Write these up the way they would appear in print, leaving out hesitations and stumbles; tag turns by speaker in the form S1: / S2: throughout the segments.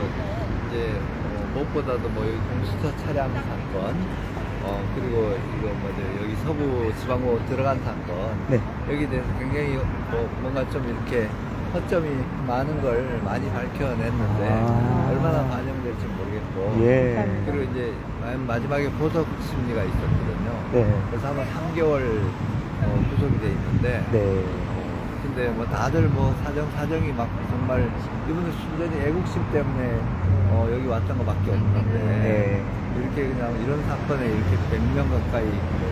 S1: 이제 무엇보다도 뭐 여기 공수처 차량 사건, 그리고 이거 뭐죠 여기 서부 지방으로 들어간 사건,
S2: 네.
S1: 여기에 대해서 굉장히 뭔가 좀 이렇게 허점이 많은 걸 많이 밝혀냈는데 얼마나 반영될지 모르겠고,
S2: 예.
S1: 그리고 이제 마지막에 보석 심리가 있었거든요.
S2: 네.
S1: 그래서 아마 3개월 구속이 돼 있는데,
S2: 네.
S1: 근데 뭐 다들 뭐 사정이 막 정말 이분들 순전히 애국심 때문에 여기 왔던 것밖에 없는데,
S2: 네.
S1: 이렇게 그냥 이런 사건에 이렇게 100명 가까이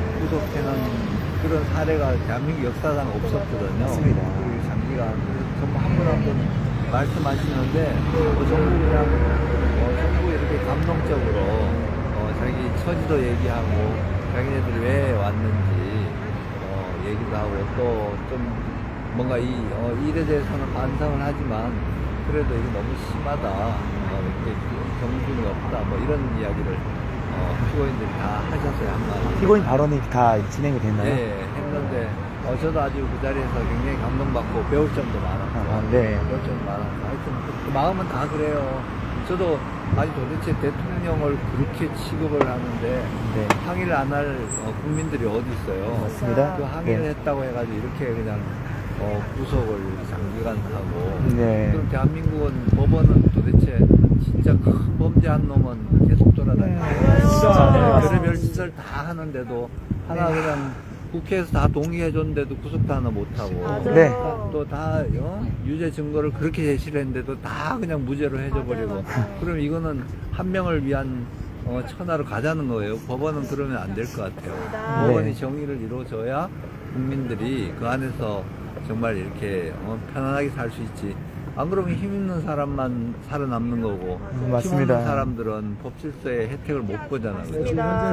S1: 구속되는 그런 사례가 대한민국 역사상 없었거든요.
S2: 맞습니다.
S1: 그리고 장기간 전부 한 분 한 분 말씀하시는데 전부 그냥 전부 이렇게 감동적으로 자기 처지도 얘기하고 자기네들이 왜 왔는지 얘기도 하고 또 좀 뭔가 이 일에 대해서는 반성을 하지만 그래도 이게 너무 심하다, 이렇게 정신이 없다, 뭐 이런 이야기를 피고인들이 다 하셨어요, 한마디.
S2: 피고인 발언이 다 진행이 됐나요?
S1: 네, 했는데 저도 아주 그 자리에서 굉장히 감동받고 배울 점도 많았고,
S2: 네.
S1: 배울 점도 많았고, 하여튼 그 마음은 다 그래요. 저도 아니 도대체 대통령을 그렇게 취급을 하는데
S2: 네.
S1: 항의를 안 할 국민들이 어디 있어요.
S2: 맞습니다.
S1: 그 항의를
S2: 네.
S1: 했다고 해가지고 이렇게 그냥 구속을 장기간 하고,
S2: 네.
S1: 그럼 대한민국은 법원은 도대체 진짜 큰 범죄한 놈은 계속 돌아다니고 별의별 짓을 다 하는데도 하나 그냥 국회에서 다 동의해줬는데도 구속도 하나 못하고,
S2: 네.
S1: 또 다 유죄 증거를 그렇게 제시를 했는데도 다 그냥 무죄로 해줘버리고, 그럼 이거는 한 명을 위한 천하로 가자는 거예요. 법원은 그러면 안 될 것 같아요. 법원이 정의를 이루어줘야 국민들이 그 안에서 정말 이렇게 편안하게 살 수 있지. 안 그러면 힘 있는 사람만 살아남는 거고, 힘
S2: 맞습니다.
S1: 없는 사람들은 법 질서의 혜택을 못 보잖아요. 그죠?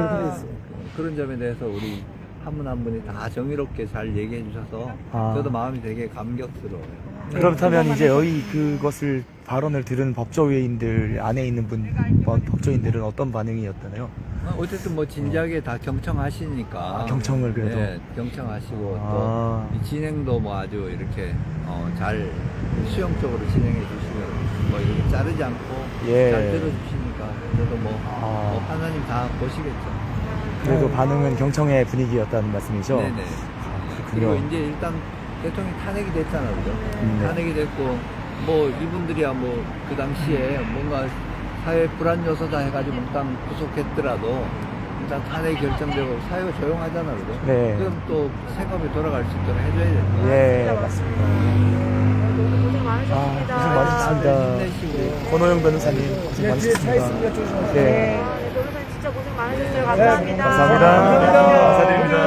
S1: 그런 점에 대해서 우리 한 분 한 분이 다 정의롭게 잘 얘기해 주셔서 저도 마음이 되게 감격스러워요.
S2: 그렇다면 이제 여기 그것을 발언을 들은 법조위원들 안에 있는 법조인들은 어떤 반응이었나요?
S1: 어쨌든 뭐 진지하게 다 경청하시니까.
S2: 경청을 그래도.
S1: 네, 경청하시고 또 이 진행도 뭐 아주 이렇게 잘 수용적으로 진행해 주시면 뭐 이렇게 자르지 않고
S2: 예.
S1: 잘 들어주시니까 저도 뭐 하나님 다 보시겠죠.
S2: 그래도 반응은 경청의 분위기였다는 말씀이죠?
S1: 네네. 그리고 이제 일단 대통령이 탄핵이 됐잖아요, 그죠? 탄핵이 됐고 뭐 이분들이야 뭐 그 당시에 뭔가 사회 불안 요소다 해가지고 일단 구속했더라도 일단 탄핵이 결정되고 사회가 조용하잖아요, 그죠?
S2: 네.
S1: 그럼 또 생업이 돌아갈 수 있도록 해줘야 되죠.
S2: 예, 맞습니다.
S3: 고생 많으셨습니다.
S2: 고생 많으셨습니다.
S1: 힘내시고.
S2: 권호영 변호사님 고생 많으셨습니다.
S3: 네, 변호사님 진짜 고생 많으셨어요. 감사합니다.
S2: 감사합니다. 감사드립니다.